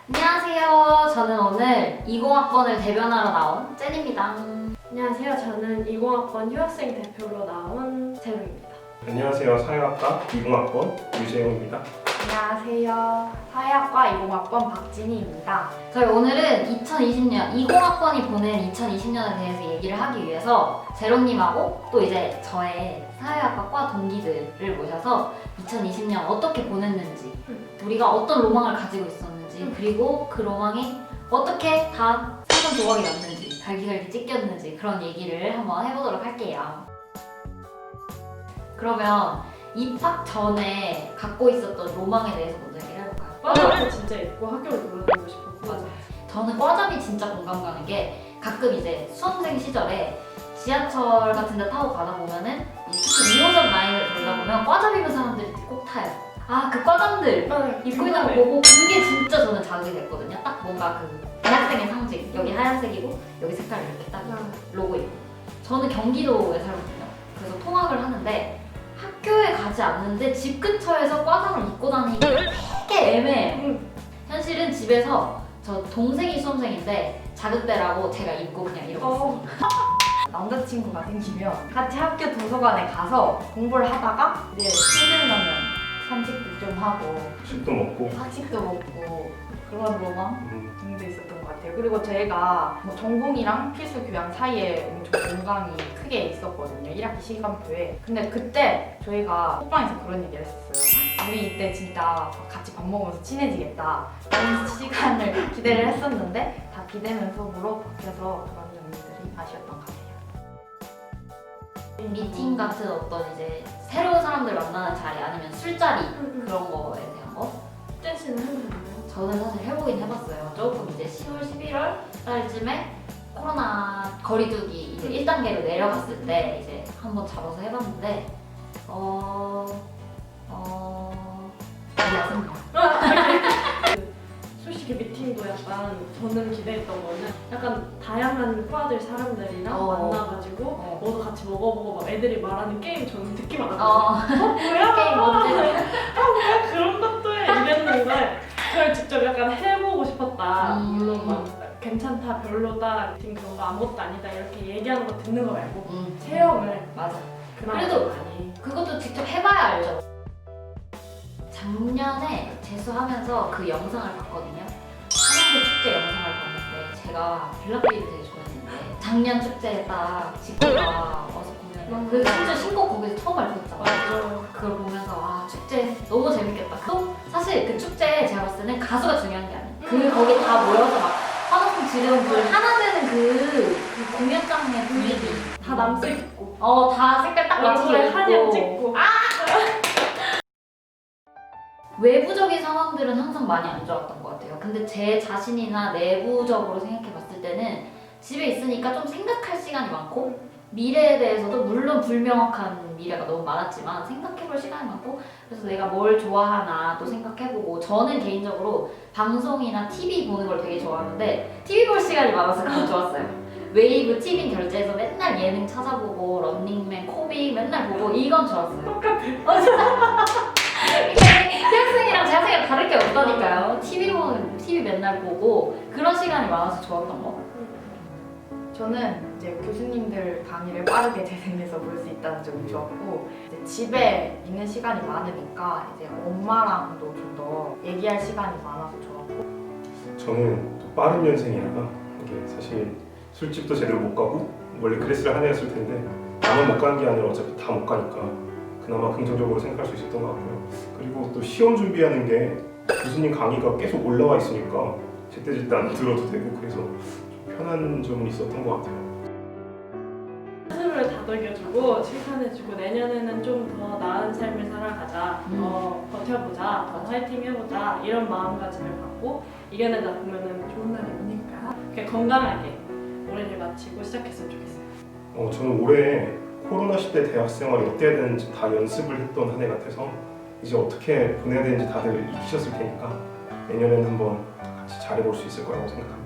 안녕하세요. 저는 오늘 20학번을 대변하러 나온 젠입니다. 안녕하세요. 저는 20학번 휴학생 대표로 나온 재우입니다. 안녕하세요. 사회학과 20학번 유재용입니다. 안녕하세요. 사회학과 20학번 박진희입니다. 저희 오늘은 2020년, 20학번이 보낸 2020년에 대해서 얘기를 하기 위해서 제로님하고 또 이제 저의 사회학과 과 동기들을 모셔서 2020년 어떻게 보냈는지, 우리가 어떤 로망을 가지고 있었는지, 그리고 그 로망이 어떻게 다 생선 조각이 났는지, 갈기갈기 찢겼는지 그런 얘기를 한번 해보도록 할게요. 그러면 입학 전에 갖고 있었던 로망에 대해서 먼저 얘기를 해볼까요? 과자도 진짜 있고 학교를 돌아다니고 싶었고. 맞아. 저는 과잡이 진짜 공감 가는 게 가끔 이제 수험생 시절에 지하철 같은 데 타고 가다 보면은 특히 2호선 라인을 돌다 보면 과잡 입은 사람들이 꼭 타요. 아, 그 과장들 입고 있는 거 보고 그게 진짜 저는 자극이 됐거든요. 딱 뭔가 그 대학생의 상징. 여기 하얀색이고 여기 색깔이 이렇게 딱 로고 있고. 저는 경기도에 살거든요. 그래서 통학을 하는데 학교에 가지 않는데 집 근처에서 과장을 입고 다니기 되게 애매해요. 현실은 집에서 저 동생이 수험생인데 자극대라고 제가 입고 그냥 이러고 있어요. 남자친구가 생기면 같이 학교 도서관에 가서 공부를 하다가 이제 힘들면 산책도 좀 하고 식도 먹고 학식도 먹고 그런 로망 등도 있었던 것 같아요. 그리고 저희가 뭐 전공이랑 필수 교양 사이에 엄청 공강이 크게 있었거든요. 1학기 시간표에. 근데 그때 저희가 호빵에서 그런 얘기를 했었어요. 우리 이때 진짜 같이 밥 먹으면서 친해지겠다. 그런 시간을 기대를 했었는데 다 비대면 수업으로 바뀌어서 그런 점들이 아쉬웠던 것 같아요. 미팅 같은 어떤 이제 새로운 사람들 만나는 자리 아니면 술자리 그런 거에 대한 거? 댄스는 해보셨나요? 저는 사실 해보긴 해봤어요. 조금 이제 10월, 11월 달쯤에 코로나 거리두기 이제 1단계로 내려갔을 때 이제 한번 잡아서 해봤는데 몰랐습니다. 솔직히 미팅도 약간 저는 기대했던 거는 약간 다양한 과들 사람들이랑 만나가지고 뭐도 같이 먹어보고 막 애들이 말하는 게임 저는 듣기만 하거든요. 뭐야? 게임 뭔지 뭐야? 그런 것도 해 이랬는데 그걸 직접 약간 해보고 싶었다. 물론 막 괜찮다, 별로다, 미팅 그런 거 아무것도 아니다 이렇게 얘기하는 거 듣는 거 말고 체험을 맞아. 그나마 그래도 많이. 그것도 직접 해봐야 알죠. 작년에 재수하면서 그 영상을 봤거든요. 한양대 축제 영상을 봤는데 제가 블락비를 되게 좋아했는데 작년 축제에 딱 직구가 와서 보면 그 심지어 신곡 거기서 처음 발표했잖아요. 맞아요. 그걸 보면서 와 축제 너무 재밌겠다. 또 사실 그 축제에 제가 봤을 때는 가수가 중요한 게 아니에요. 그 거기 다 모여서 막 환호성 지르는 그 하나 되는 그 공연장의 분위기 다 남색 입고 다 색깔 딱 맞춰서 얼굴에 한약 입고 찍고 외부적인 상황들은 항상 많이 안 좋았던 것 같아요. 근데 제 자신이나 내부적으로 생각해 봤을 때는 집에 있으니까 좀 생각할 시간이 많고 미래에 대해서도 물론 불명확한 미래가 너무 많았지만 생각해 볼 시간이 많고 그래서 내가 뭘 좋아하나 또 생각해보고 저는 개인적으로 방송이나 TV 보는 걸 되게 좋아하는데 TV 볼 시간이 많아서 그건 좋았어요. 웨이브 티빙 결제해서 맨날 예능 찾아보고 런닝맨, 코빅 맨날 보고 이건 좋았어요. 똑같아. 진짜. 대학생이랑 재학생이랑 다를 게 없다니까요. TV 맨날 보고 그런 시간이 많아서 좋았던 거. 저는 이제 교수님들 강의를 빠르게 재생해서 볼 수 있다는 점이 좋았고 이제 집에 있는 시간이 많으니까 이제 엄마랑도 좀 더 얘기할 시간이 많아서 좋았고 저는 또 빠른 년생이라 이게 사실 술집도 제대로 못 가고 원래 그랬을 한 해였을 텐데 나만 못 가는 게 아니라 어차피 다 못 가니까 그나마 긍정적으로 생각할 수 있었던 것 같고요. 그리고 또 시험 준비하는 게 교수님 강의가 계속 올라와 있으니까 제때제때 안 들어도 되고 그래서 좀 편한 점은 있었던 것 같아요. 스스로를 다독여주고 칭찬해주고 내년에는 좀 더 나은 삶을 살아가자, 더 버텨보자, 더 화이팅 해보자 이런 마음가짐을 갖고 이겨내다 보면은 좋은 날이 오니까 그냥 건강하게 올해를 마치고 시작했으면 좋겠어요. 저는 올해 코로나 시대 대학 생활이 어때야 되는지 다 연습을 했던 한 해 같아서 이제 어떻게 보내야 되는지 다들 익히셨을 테니까 내년에는 한번 같이 잘해볼 수 있을 거라고 생각합니다.